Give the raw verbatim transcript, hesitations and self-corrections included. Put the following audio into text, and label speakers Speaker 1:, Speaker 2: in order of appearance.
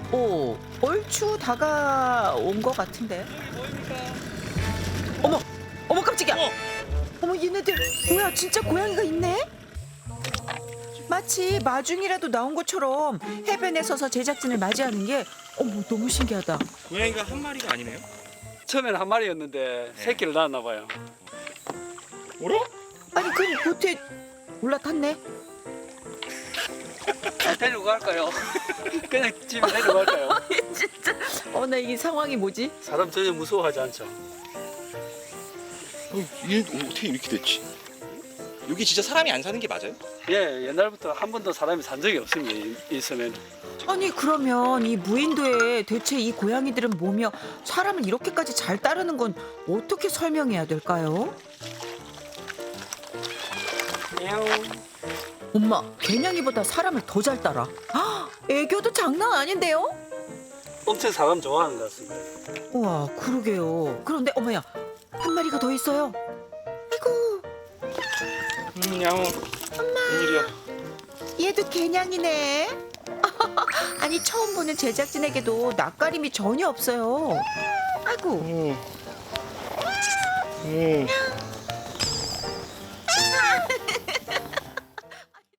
Speaker 1: 오, 얼추 다가온 것 같은데. 어머, 어머 깜짝이야.
Speaker 2: 어.
Speaker 1: 어머 얘네들 뭐야? 진짜 고양이가 있네? 마치 마중이라도 나온 것처럼 해변에 서서 제작진을 맞이하는 게 어머 너무 신기하다.
Speaker 2: 고양이가 한 마리가 아니네요.
Speaker 3: 처음에는 한 마리였는데 새끼를 낳았나 봐요.
Speaker 2: 뭐라?
Speaker 1: 아니 그 보트에 올라탔네.
Speaker 3: 아, 데리고 갈까요? 그냥 집에 데리고 갈까요?
Speaker 1: 진짜 어나 이 상황이 뭐지?
Speaker 3: 사람 전혀 무서워하지 않죠.
Speaker 2: 어, 얘 어떻게 이렇게 됐지? 여기 진짜 사람이 안 사는 게 맞아요?
Speaker 3: 예, 옛날부터 한 번도 사람이 산 적이 없습니다. 이- 있으면.
Speaker 1: 아니 그러면 이 무인도에 대체 이 고양이들은 뭐며 사람을 이렇게까지 잘 따르는 건 어떻게 설명해야 될까요? 엄마, 개냥이보다 사람을 더 잘 따라. 아, 애교도 장난 아닌데요?
Speaker 3: 엄청 사람 좋아하는 것 같습니다.
Speaker 1: 우와, 그러게요. 그런데 어머야, 한 마리가 더 있어요. 아이고,
Speaker 2: 음, 야옹. 엄마. 웬일이야?
Speaker 1: 얘도 개냥이네. 아니 처음 보는 제작진에게도 낯가림이 전혀 없어요. 아이고,
Speaker 2: 음. 음.